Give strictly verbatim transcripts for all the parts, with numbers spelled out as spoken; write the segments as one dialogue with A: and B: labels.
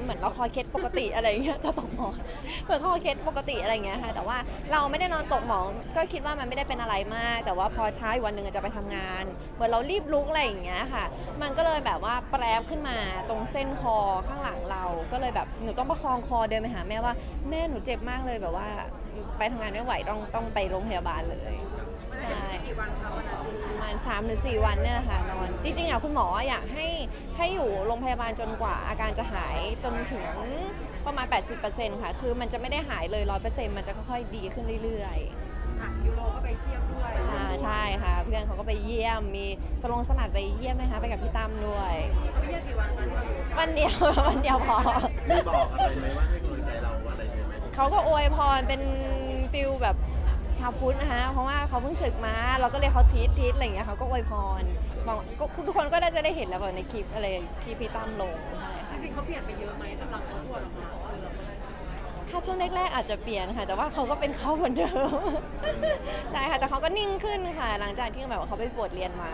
A: เหมือนเราคอเคล็ดปกติอะไรเงี้ยจะตกหมอนเหมือนคอเคล็ดปกติอะไรเงี้ยค่ะแต่ว่าเราไม่ได้นอนตกหมอนก็คิดว่ามันไม่ได้เป็นอะไรมากแต่ว่าพอเช้าอีกวันหนึ่งจะไปทำงานเหมือนเรารีบลุกอะไรอย่างเงี้ยค่ะมันก็เลยแบบว่าแปรบขึ้นมาตรงเส้นคอข้างหลังเราก็เลยแบบหนูต้องประคองคอเดินไปหาแม่ว่าแม่หนูเจ็บมากเลยแบบว่าไปทำงานไม่ไหวต้องต้องไปโรงพยาบาลเลยใช่ประมาณสามหรือสี่วันเนี่ยแหละค่ะนอนจริงๆอ่ะคุณหมออยากให้ให้อยู่โรงพยาบาลจนกว่าอาการจะหายจนถึงประมาณ แปดสิบเปอร์เซ็นต์ ค่ะคือมันจะไม่ได้หายเลย ร้อยเปอร์เซ็นต์ มันจะค่อยๆดีขึ้นเรื่อยๆ
B: ยูโรก็ไปเที่ยวด้วย
A: ค่ะใช่ค่ะเพื่อนเขาก็ไปเยี่ยมมีสลงสลัดไปเยี่ยมไหมคะไปกับพี่ตั้มด้วย
B: ไปเยี่ยมกี่วันคะที่เราอยู่
A: วันเดียววันเดียวพอ
C: มีบอกอะไรไหมว่าให้กำลังใจเราอะไรไหม
A: เขาก็อวยพรเป็นฟิลแบบชาวพุทธนะคะเพราะว่าเขาเพิ่งศึกมาเราก็เลยเขาทีททีทอะไรอย่างเงี้ยเขาก็อวยพรบอกทุกคนก็น่าจะได้เห็นแล้วแบบในคลิปอะไรที่พี่ตั้มลงใช่
B: ค่ะจริงๆเขาเปลี่ยนไปเยอะไหมสำหรับเขาปวดออกมา
A: ถ้าช่วงแรกๆอาจจะเปลี่ยนค่ะแต่ว่าเขาก็เป็นเขาเหมือนเดิมใช่ค่ะแต่เขาก็นิ่งขึ้นค่ะหลังจากที่แบบว่าเขาไปบวชเรียนมา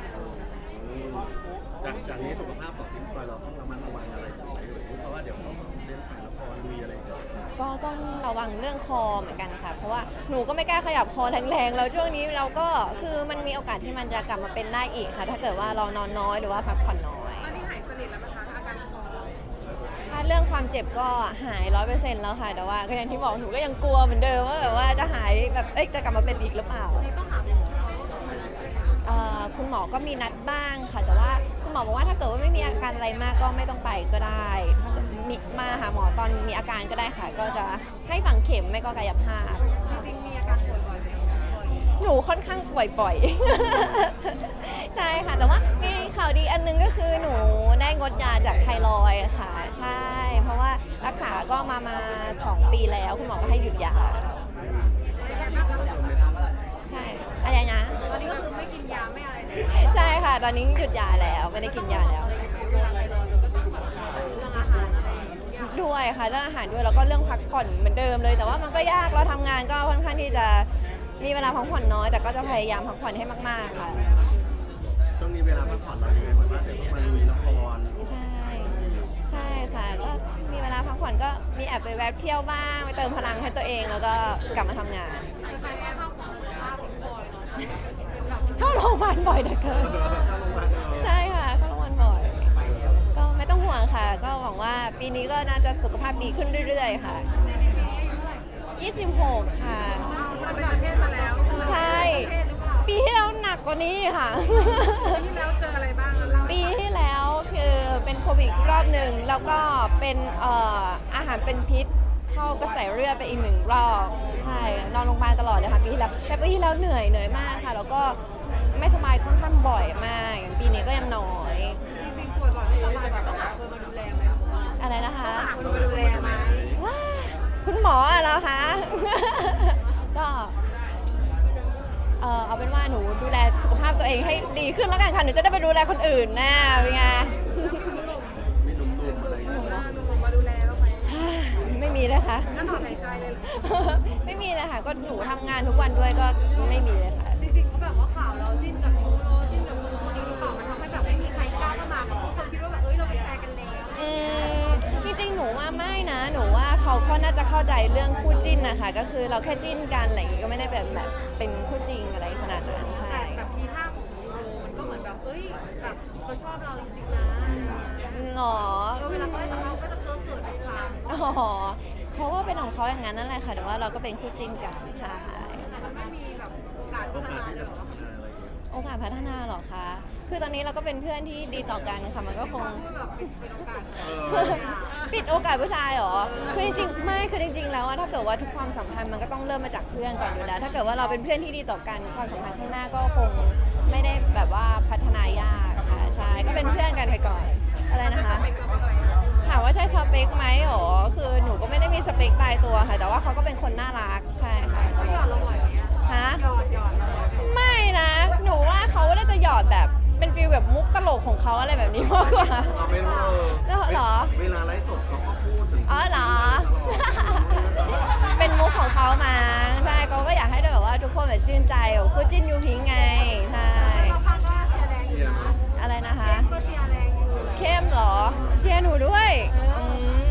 C: จากจากนี้สุขภาพของชิ้นคอยเราต้องระมัดระวังอะไรไหมเพราะว่าเดี๋ยวต้องเล่นถ่ายละครมีอะไร
A: ก็ต้องระวังเรื่องคอเหมือนกันค่ะเพราะว่าหนูก็ไม่กล้าขยับคอแรงๆแล้วช่วงนี้เราก็คือมันมีโอกาสที่มันจะกลับมาเป็นได้อีกค่ะถ้าเกิดว่าเรานอนน้อยหรือว่าพักผ่อนน้อย
B: ตอนนี้หายสนิทแล้วนะคะอาการคอเรา
A: ถ้าเรื่องความเจ็บก็หายร้อยเปอร์เซ็นต์แล้วค่ะแต่ว่าก็อย่างที่บอกหนูก็ยังกลัวเหมือนเดิมว่าแบบว่าจะหายแบบเอ๊ะจะกลับมาเป็นอีกหรือเปล่า
B: ต้องหาหม
A: อคุณหมอก็มีนัดบ้างค่ะแต่ว่าคุณหมอบอกว่าถ้าเกิดว่าไม่มีอาการอะไรมากก็ไม่ต้องไปก็ได้ถ้าเกิดมีมาหาหมอตอนมีอาการก็ได้ค่ะก็จะให้ฝังเข็มไม่ก็กายภาพ
B: จริงๆมีอาการป่วยบ่อยไหม
A: หนูค่อนข้างป่วยบ่อยใช่ค่ะแต่ว่ามีข่าวดีอันนึงก็คือหนูได้งดยาจากไทรอยด์ค่ะใช่เพราะว่ารักษาก็มามาสองปีแล้วคุณหมอก็ให้หยุดยาใช่อะไรนะ
B: ตอนนี้ก็คือไม่กินยาไม่อะไรเลย
A: ใช่ค่ะตอนนี้หยุดยาแล้วไม่ได้กินยาแล้วด้วยค่ะเรื่องอาหารด้วยแล้วก็เรื่องพักผ่อนเหมือนเดิมเลยแต่ว่ามันก็ยากเราทำงานก็ค่อนข้างที่จะมีเวลาพักผ่อนน้อยแต่ก็จะพยายามพักผ่อนให้มากๆค่ะ
C: ช่วงนี้เวลาพักผ่อนเรายังไงเหมือนว่าเดี๋ยวต้องมาลุยละคร
A: ใช่ใช่ค่ะก็มีเวลาพักผ่อนก็มีแอบไปแวบเที่ยวบ้างไปเติมพลังให้ตัวเองแล้วก็กลับมาทำงานเข้าโรงพยาบาลบ่อยนะเกินใช่ค่ะเข้าโรงพยาบาลบ่อยก็ไม่ต้องห่วงค่ะก็หวังว่าปีนี้ก็น่าจะสุขภาพดีขึ้นเรื่อยๆค่ะยี่สิบหกค่ะใช่ปีที่แล้วหนักกว่านี้ค่ะ
B: ปีที่แล้วเจออะไรบ้าง
A: ปีที่แล้วคือเป็นโควิดรอบหนึ่งแล้วก็เป็นเอ่ออาหารเป็นพิษเข้ากระแสเลือดไปอีกหนึ่งรอบใช่นอนโรงพยาบาลตลอดเลยค่ะปีที่แล้วแต่ปีที่แล้วเหนื่อยเหนื่อยมากค่ะแล้วก็ไม่สบายค่อนข้างบ่อยมากอย่างปีนี้ก็ยังน้อย
B: จริงๆป่วยบ่อยไม่สบายบ่อยต้องหาคนมาดูแลไหม
A: อะไรนะคะ
B: ต้องหาคนมาดูแลไหม
A: คุณหมอเหรอคะก็เออเอาเป็นว่าหนูดูแลสุขภาพตัวเองให้ดีขึ้นแล้วกันค่ะหนูจะได้ไปดูแลคนอื่นนะเป็นไง
C: มีหนุ่มๆอะไร
B: หนุ่มๆมาดูแลบ้างไหม
A: ไม่มีเลยค่ะ
B: นั่นถอนหายใจเลย
A: ไม่มีเลยค่ะก็หนูทำงานทุกวันด้วยก็ไม่มีเลยค่ะ
B: จริงๆเขาแบบว่าข่าวเราจิ้นกับยูโรจิ้นกับคนนี้หรือเปล่ามันทำให้แบบไม่มีใครกล้าเข้ามาเพราะทุกคนคิดว่าแบบเอ้ยเราเป็นแฟนกันแล้ว
A: อืมจริงๆหนูว่าไม่นะหนูว่าเขาก็น่าจะเข้าใจเรื่องคู่จิ้นนะคะก็คือเราแค่จิ้นกันอะไรอย่างงี้ก็ไม่ได้แบบแบบเป็นคู่จริงอะไรขนาดนั้นใช่
B: แต่แบบทีท่าของยูโรมันก็เหมือนแบบเอ้ยแบบเขาชอบเราจริงๆนะ
A: หรอ
B: เวลาเขาได้สัมภาษณ์ก็จะเกิดเกิดทุกครั้ง
A: อ๋อเขาก็เป็นของเขาอย่างนั้นนั่นแหละค่ะแต่ว่าเราก็เป็นคู่จิ้นกันใช่
B: แต่มันไม่มีแบบโอกาสพัฒนาเลยหรอ
A: โอกาสพัฒนาหรอคะคือตอนนี้เราก็เป็นเพื่อนที่ดีต่อกันค่ะมันก็คงปิดโอกาสผู้ชายหรอคือจริงๆไม่คือจริงๆแล้วถ้าเกิดว่าทุกความสัมพันธ์มันก็ต้องเริ่มมาจากเพื่อนก่อนอยู่แล้วถ้าเกิดว่าเราเป็นเพื่อนที่ดีต่อกันความสัมพันธ์ข้างหน้าก็คงไม่ได้แบบว่าพัฒนายากค่ะใช่ก็เป็นเพื่อนกันไปก่อนอะไรนะคะถามว่าใช่สเปคไหมหรอคือหนูก็ไม่ได้มีสเปคตายตัวค่ะแต่ว่าเขาก็เป็นคนน่ารักใช่ค่ะ
B: เขาหยอดเราบ่อยไหม
A: ฮะ
B: หยอดหยอด
A: ไม่นะหนูว่าเขาน่าจะหยอดแบบเป็นฟีลแบบมุกตลกของเขาอะไรแบบนี้มากกว่า
C: ไม่รู้
A: เหรอ
C: เวลาไลฟ์สดเขาก็พูดถึง
A: อ๋อเหรอเป็นมุกของเขามาใช่เขาก็อยากให้แบบว่าทุกคนแบบชื่นใจคู่จิ้นยูพิงไงใช่
B: เราพักก็เชียร์แรงอยู่นะ
A: อะไรนะคะ
B: ก็เชียร์แรงอยู่
A: เข้มเหรอเชียร์หนูด้วยอืม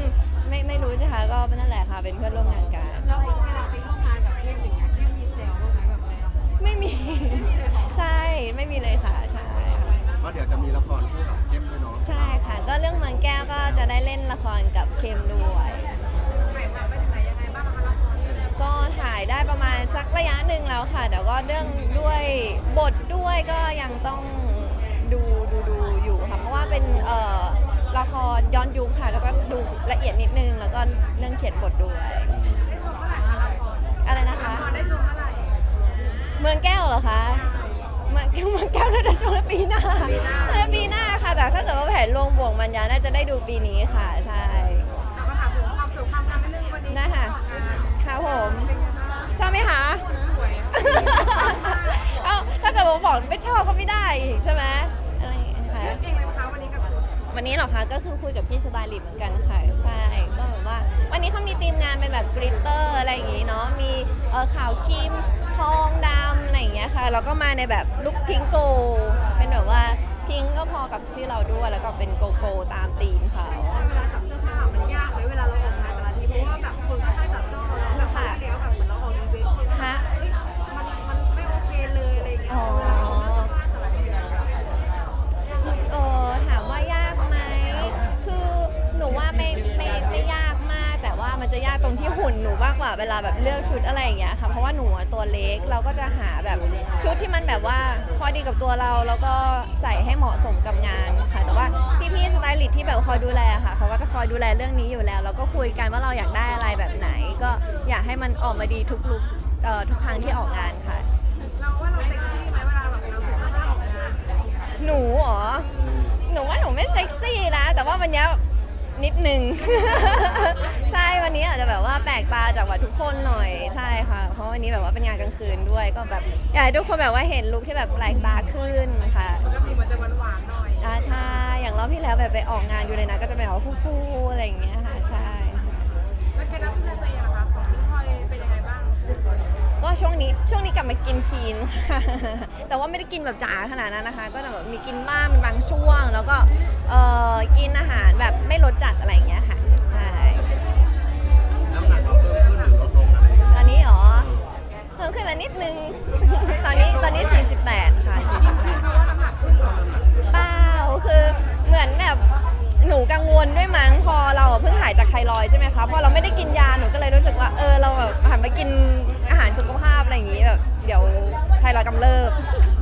A: รกับเข้มด้วย
B: ถ่ายทำไปถึงไหนยังไงบ้างคะละคร
A: ก็ถ่ายได้ประมาณสักระยะหนึ่งแล้วค่ะแต่ก็เรื่องด้วยบทด้วยก็ยังต้องดูดูดูอยู่ค่ะเพราะว่าเป็นเอ่อละครย้อนยุคค่ะก็จะดูละเอียดนิดนึงแล้วก็เรื่องเขียนบทด้วย
B: ได้ชมเมื่อไหร่คะละคร
A: อะไรนะคะ
B: ละครได้ชมเมื่อไหร่
A: เมืองแก้วเหรอคะเมืองเมืองแก้วน่าจะช่วงปีหน้าน่าจะปีหน้าค่ะแต่ถ้าเกิดว่าแผนลงบ่วงมันยาน่าจะได้ดูปีนี้ค่ะใช่
B: เราก็ถามถึงความสุขความงามนิดนึงวันนี้
A: นะคะ
B: ออกงาน
A: ค่ะผม
B: เป็นไงบ้าง
A: ชอบไหมคะ
B: สวย
A: เอ้าถ้าเกิดผมบอกไม่ชอบก็ไม่ได้อีกใช่ไหมอะไรอย่างเงี้ยค่ะ
B: เลือกเองเลยไหมคะวันนี้กับชุด
A: วันนี้เหรอคะก็คือคุยกับพี่สไตลิสต์เหมือนกันค่ะใช่ก็แบบว่าวันนี้เขามีทีมงานเป็นแบบกริตเตอร์อะไรอย่างงี้เนาะมีเออขาวครีมทองดำอะไรอย่างเงี้ยค่ะแล้วก็มาในแบบลุคพิงโกเป็นแบบว่าพิงก็พอกับชื่อเราด้วยแล้วก็เป็นโกโก้ตามธีมเขา
B: เวลาจับเสื้อผ้ามันยากไหมเวลาเราออกงานแต่ละทีเพราะว่าแบบคนก็ให้จับจ้องเราแล้วแบบครั้งที่แล้วแบบเหมือนเราออกอีเวนต์คนก็แบบเอ้ยมันมันไม่โอเคเลยอะไรอย่างเงี้ยเวลาเราเลือกเสื้อผ้าแต่ละทีอะ
A: เออถามว่ายากไหมคือหนูว่าไม่ไม่ไม่ยากมากแต่ว่ามันจะยากตรงที่หุ่นหนูมากกว่าเวลาแบบเลือกชุดอะไรอย่างเงี้ยค่ะเพราะว่าหนูอะตัวเล็กเราก็จะหาแบบชุดที่มันแบบว่าพอดีกับตัวเราแล้วก็ใส่ให้เหมาะสมกับงานค่ะแต่ว่าพี่ๆสไตลิสต์ที่แบบคอยดูแลค่ะเขาก็จะคอยดูแลเรื่องนี้อยู่แล้วแล้วก็คุยกันว่าเราอยากได้อะไรแบบไหน ก็อยากให้มันออกมาดีทุกลุคเอ่อทุกครั้งที่ออกงานค่ะ
B: เราว่าเราเซ็กซี่ไหมเวลาแบบเราถูกเสื้อผ้าออกงาน
A: หนูเหรอหนูว่าหนูไม่เซ็กซี่นะแต่ว่าวันเนี้ยนิดนึง ใช่วันนี้อาจจะแบบว่าแปลกตาจากว่าทุกคนหน่อยใช่ค่ะเพราะวันนี้แบบว่าเป็นงานกลางคืนด้วยก็แบบอยากให้ทุกคนแบบว่าเห็นลุคที่แบบแปลกตาขึ้นค่ะ
B: ปกติมันจะหวานๆหน่อย
A: อ่าใช่อย่างรอบที่แล้วแบบไปออกงานอยู่เลยนะก็จะเป็นแบบฟูๆอะไรอย่างเงี้ยค่ะใช่
B: แล้วเคล็ดลับดูแลตัวเองนะคะของพี่พลอยเป็นยังไงบ้าง
A: ก็ช่วงนี้ช่วงนี้กลับมากินคีนค่ะ แต่ว่าไม่ได้กินแบบจ๋าขนาดนั้นนะคะ ก็จะแบบมีกินบ้างเป็นบางช่วง แล้วก็เอ่อกินอาหารแบบไม่รสจัดอะไรอย่างเงี้ยค่ะใช่
C: น้ำหนักเราเพิ่มขึ้นหรือลดลงอะไรอย่างเงี้ย
A: ตอนนี้เหรอเพิ่มขึ้นมานิดนึง ตอนนี้ตอนนี้สี่สิบแปดค่ะสี่สิบแปด
B: เพราะว่าน้ำหนักขึ้นเหรอ
A: เปล่าคือเหมือนแบบหนูกังวลด้วยมั้งพอเราอะเพิ่งหายจากไทรอยด์ใช่ไหมคะพอเราไม่ได้กินยาหนูก็เลยรู้สึกว่าเออเราแบบหันมากินอาหารสุขภาพอะไรอย่างงี้แบบเดี๋ยวไทรอยด์กำเริบ